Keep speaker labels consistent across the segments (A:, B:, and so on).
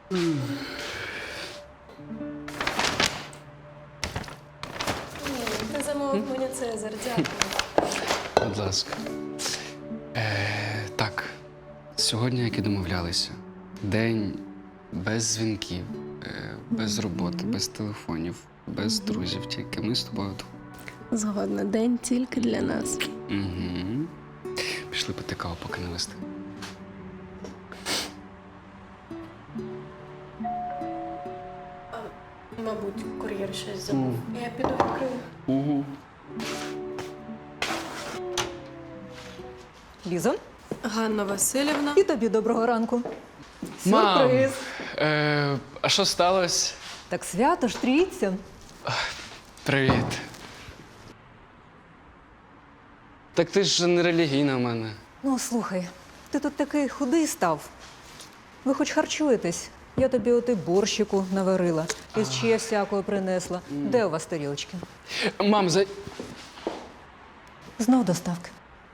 A: Ти замовив мені Цезар, дякую.
B: Будь ласка. Так, сьогодні, як і домовлялися, день без дзвінків, без роботи, без телефонів, без друзів, тільки ми з тобою тут.
A: Згодна, день тільки для нас.
B: Угу. Пішли пити каву, поки не вистиг.
A: Мабуть, кур'єр щось забув. Я піду відкрию.
B: Угу.
C: Лізо,
A: Ганна Васильівна.
C: і тобі доброго ранку.
B: Мам,
C: Сюрприз.
B: А що сталося?
C: Так свято ж трійця.
B: Привіт. Так ти ж не релігійна в мене.
C: Ну, слухай, ти тут такий худий став. Ви хоч харчуєтесь? Я тобі оти борщику наварила, із чия всякого принесла. Де у вас тарілочки?
B: Мам,
C: Знов доставки.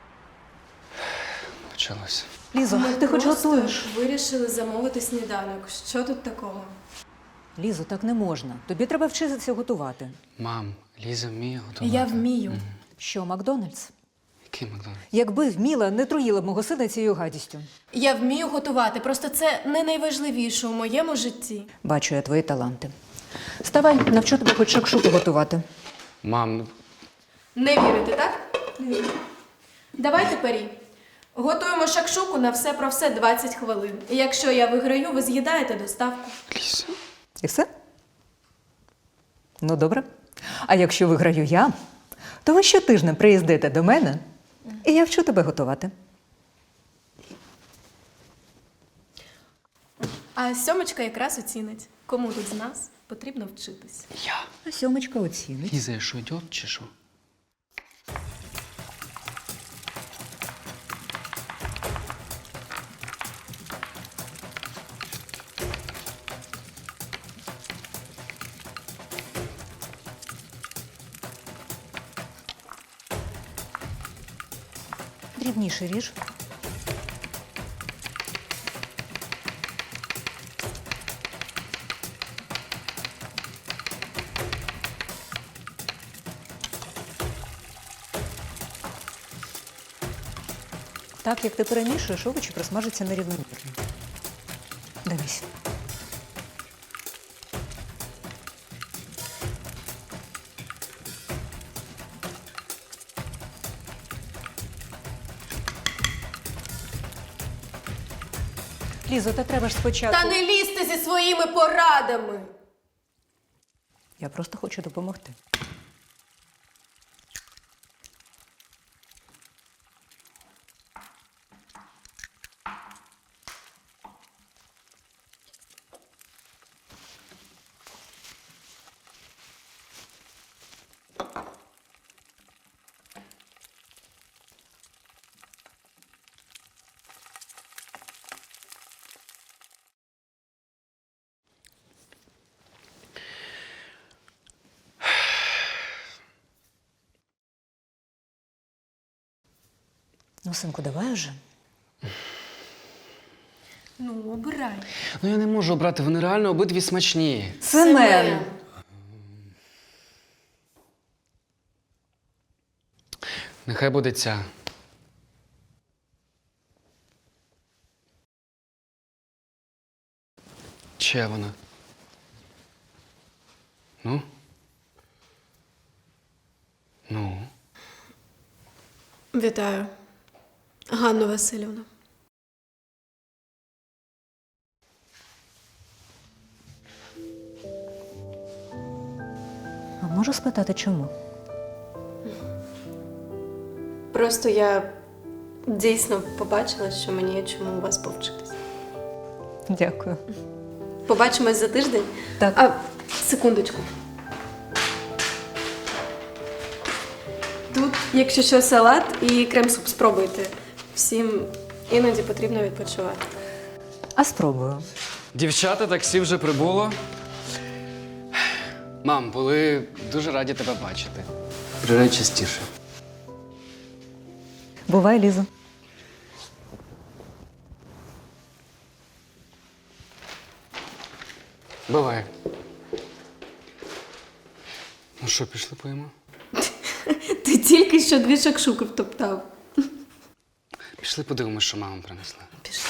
B: Почалося.
C: Лізо, ти хоч готуєш?
A: Вирішили замовити сніданок. Що тут такого?
C: Лізо, так не можна. Тобі треба вчитися готувати.
B: Мам, Ліза вміє готувати.
A: Я вмію.
C: Що, Макдональдс?
B: Який Макдональдс?
C: Якби вміла, не труїла б мого сина цією гадістю.
A: Я вмію готувати, просто це не найважливіше у моєму житті.
C: Бачу я твої таланти. Ставай, навчу тебе хоч шакшуку готувати.
B: Мам, ну
A: Не вірите, так? Давайте парі. Готуємо шакшуку на все про все 20 хвилин. І якщо я виграю, ви з'їдаєте доставку.
B: Ліза.
C: І все? Ну, добре. А якщо виграю я, то ви щотижня приїздите до мене, і я вчу тебе готувати.
A: А сьомочка якраз оцінить. Кому тут з нас потрібно вчитись.
B: Я.
C: А сьомочка оцінить.
B: Ліза, я що, ідіот чи що?
C: Дрібніше ріж. Так, як ти перемішуєш, овочі просмажаться нерівномірно. Дивись. Лізо, та треба ж спочатку.
A: Та не лізьте зі своїми порадами!
C: Я просто хочу допомогти. Ну, синку, давай уже.
A: Ну, обирай.
B: Ну я не можу обрати, вони реально обидві смачні.
C: Семен!
B: Нехай буде ця. Чия вона? Ну? Ну?
A: Вітаю. Ганна Васильівна.
C: А можу спитати, чому?
A: Просто я дійсно побачила, що мені є чому у вас повчитись.
C: Дякую.
A: Побачимось за тиждень?
C: Так.
A: А, секундочку. Тут, якщо що, салат і крем-суп спробуйте. Всім іноді потрібно відпочивати.
C: А спробую.
B: Дівчата, таксі вже прибуло. Мам, були дуже раді тебе бачити. Приїжджай частіше.
C: Бувай, Лізо.
B: Бувай. Ну що, пішли поїмо?
A: Ти тільки що 2 шакшуки втоптав.
B: Пішли подивимось, що мама принесла.
A: Пішли.